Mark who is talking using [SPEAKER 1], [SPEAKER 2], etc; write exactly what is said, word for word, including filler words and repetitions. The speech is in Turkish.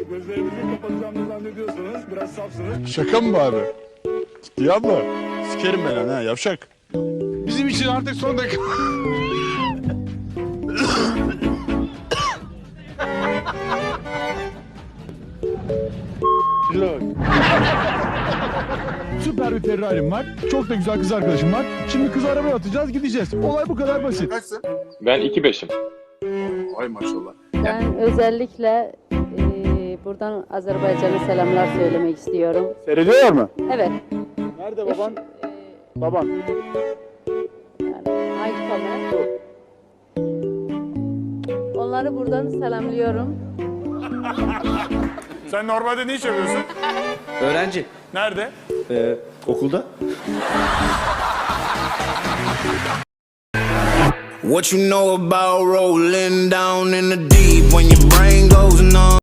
[SPEAKER 1] Gözlerinizi kapatacağımı zannediyorsanız biraz safsınız.
[SPEAKER 2] Şaka mı bu abi? Ciddi abla. Sikerim ben lan ha yavşak.
[SPEAKER 3] Bizim için artık son dakika. Süper bir Ferrari'm var. Çok da güzel kız arkadaşım var. Şimdi kız arabaya atacağız, gideceğiz. Olay bu kadar basit.
[SPEAKER 2] Kaçsın?
[SPEAKER 4] Ben iki beşim.
[SPEAKER 2] Ay maşallah.
[SPEAKER 5] Ben özellikle e, buradan Azerbaycan'a selamlar söylemek istiyorum.
[SPEAKER 1] Seyrediyorlar mı?
[SPEAKER 5] Evet.
[SPEAKER 1] Nerede baban?
[SPEAKER 5] E,
[SPEAKER 1] Baban.
[SPEAKER 5] yani hangi kamera? Onları buradan selamlıyorum.
[SPEAKER 1] Sen normalde ne iş yapıyorsun?
[SPEAKER 6] Öğrenci.
[SPEAKER 1] Nerede?
[SPEAKER 6] Ee, okulda.
[SPEAKER 7] What you know about rolling down in the deep when your brain goes numb?